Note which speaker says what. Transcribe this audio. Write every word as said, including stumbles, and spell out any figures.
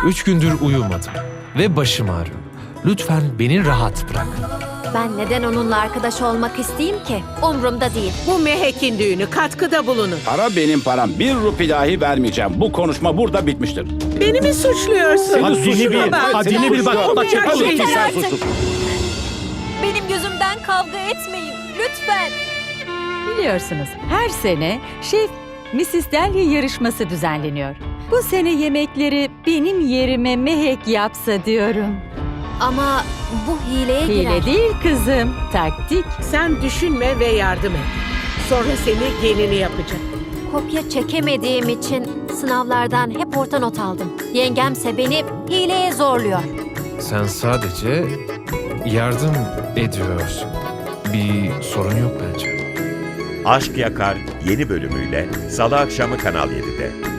Speaker 1: Üç gündür uyumadım ve başım ağrıyor. Lütfen beni rahat bırak.
Speaker 2: Ben neden onunla arkadaş olmak isteyeyim ki? Umrumda değil.
Speaker 3: Bu Mehek'in düğünü, katkıda bulunun.
Speaker 4: Para benim param. Bir rupi dahi vermeyeceğim. Bu konuşma burada bitmiştir.
Speaker 3: Beni mi suçluyorsun?
Speaker 4: Seni
Speaker 5: Haddini
Speaker 4: suçluyorum.
Speaker 5: bil,
Speaker 4: Evet,
Speaker 5: haddini
Speaker 4: seni
Speaker 5: bil, bak,
Speaker 4: suçluyorum.
Speaker 5: bak,
Speaker 4: Tabii ki
Speaker 3: yeter
Speaker 4: sen
Speaker 2: artık.
Speaker 4: suçlusun.
Speaker 2: Benim yüzümden kavga etmeyin. Lütfen.
Speaker 6: Biliyorsunuz her sene Şef missis Delhi yarışması düzenleniyor. Bu sene yemekleri benim yerime Mehek yapsa diyorum.
Speaker 2: Ama bu hileye girer.
Speaker 6: Hile değil kızım, taktik.
Speaker 3: Sen düşünme ve yardım et. Sonra seni gelini yapacak.
Speaker 2: Kopya çekemediğim için sınavlardan hep orta not aldım. Yengemse beni hileye zorluyor.
Speaker 1: Sen sadece yardım ediyorsun. Bir sorun yok bence.
Speaker 7: Aşk Yakar yeni bölümüyle Salı akşamı Kanal yedide.